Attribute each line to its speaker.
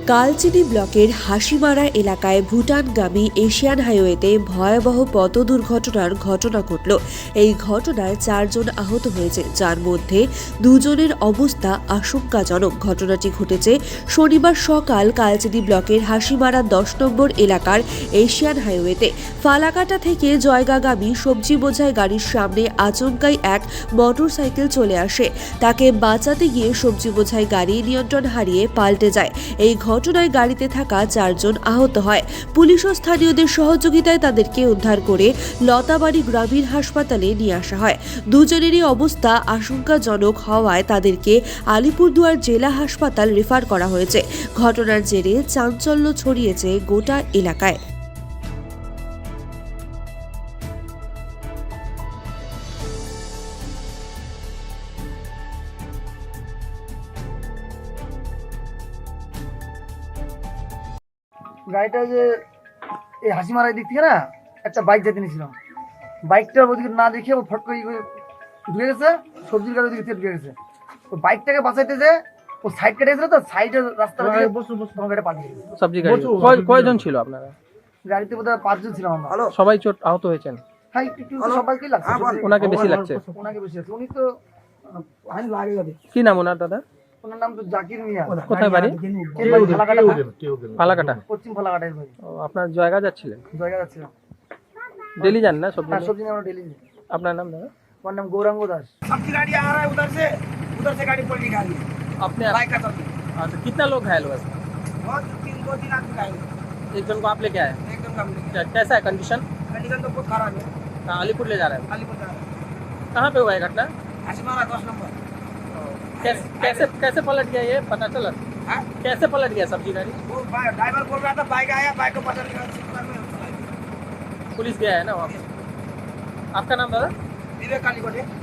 Speaker 1: কালচিনি ব্লকের হাসিমারা এলাকায় ভুটানগামী এশিয়ান হাইওয়েতে ভয়াবহ পথ দুর্ঘটনার ঘটনা ঘটল। এই ঘটনায় 4 জন আহত হয়েছে, যার মধ্যে 2 জনের অবস্থা আশঙ্কাজনক। ঘটনাটি ঘটেছে শনিবার সকাল কালচিনি ব্লকের হাসিমারা 10 নম্বর এলাকার এশিয়ান হাইওয়েতে। ফালাকাটা থেকে জয়গাগামী সবজি বোঝাই গাড়ির সামনে আচমকাই এক মোটরসাইকেল চলে আসে। তাকে বাঁচাতে গিয়ে সবজি বোঝাই গাড়ি নিয়ন্ত্রণ হারিয়ে পাল্টে যায়। এই ঘটনায় গাড়িতে থাকা 4 জন আহত হয়। পুলিশ ও স্থানীয়দের সহযোগিতায় তাদেরকে উদ্ধার করে লতাবাড়ি গ্রামীণ হাসপাতালে নিয়ে আসা হয়। দুজনেরই অবস্থা আশঙ্কাজনক হওয়ায় তাদেরকে আলিপুরদুয়ার জেলা হাসপাতাল রেফার করা হয়েছে। ঘটনার জেরে চাঞ্চল্য ছড়িয়েছে গোটা এলাকায়।
Speaker 2: গাড়িটা যে এই হাসিমারার দিক থেকে না একটা বাইক যেতে নিয়েছিলাম, বাইকটা ওদিকে না দেখে ও ফট করে ঢুকে গেছে, সবজির গাড়ি ওদিকে ঢুকে গেছে। ও বাইকটাকে বাঁচাইতে যে ও সাইড কেটে গেছিল, তো সাইডের রাস্তা গাড়িটা পাঠিয়ে গেছে।
Speaker 3: সবজি গাড়ি কয়জন ছিল আপনারা?
Speaker 2: গাড়িতে বোধহয় 5 জন ছিলাম আমরা।
Speaker 3: সবাই চোট আহত হয়েছেন?
Speaker 2: হ্যাঁ, একটু সবাইকে লাগছে।
Speaker 3: ওনাকে বেশি লাগছে?
Speaker 2: ওনাকে বেশি আছে, উনি তো লাগে গেছে।
Speaker 3: কি নাম ওনার দাদা?
Speaker 2: ওনার নাম তো জাকির মিয়া।
Speaker 3: কোথায় বাড়ি? ফালাকাটা,
Speaker 2: পশ্চিম ফালাকাটার বাড়ি।
Speaker 3: ও, আপনার জায়গা যাচ্ছিলেন?
Speaker 2: জায়গা যাচ্ছিলাম।
Speaker 3: डेली जान ना सब्जी?
Speaker 2: हाँ, सब्जी আমরা ডেলি যাই।
Speaker 3: আপনার নাম দাদা?
Speaker 2: আমার নাম गौरंग दास।
Speaker 4: सब्जी गाड़ी आ रहा है उधर से गाड़ी पलटी गाड़ी
Speaker 3: अपने
Speaker 4: बाइक का सब्जी।
Speaker 3: अच्छा, कितना लोग घायल हुए?
Speaker 4: बहुत 3 आदमी घायल हुए।
Speaker 3: एक जन को आप लेके आए?
Speaker 4: एकदम कम नहीं।
Speaker 3: कैसा है कंडीशन?
Speaker 4: कंडीशन तो बहुत खराब है।
Speaker 3: कहाँ अलीपुर ले जा रहे हैं?
Speaker 4: अलीपुर जा रहा है।
Speaker 3: कहाँ पे हुआ है घटना?
Speaker 4: हसीमारा 10 नंबर।
Speaker 3: कैसे कैसे पलट गया ये पता चला?
Speaker 4: हाँ?
Speaker 3: कैसे पलट गया सब्जी गाड़ी?
Speaker 4: वो ड्राइवर बोल रहा था बाइक आया, बाइक को पता नहीं
Speaker 3: पुलिस गया है ना वहाँ पे? आपका नाम दादा?
Speaker 4: विवेक कालीकोटे।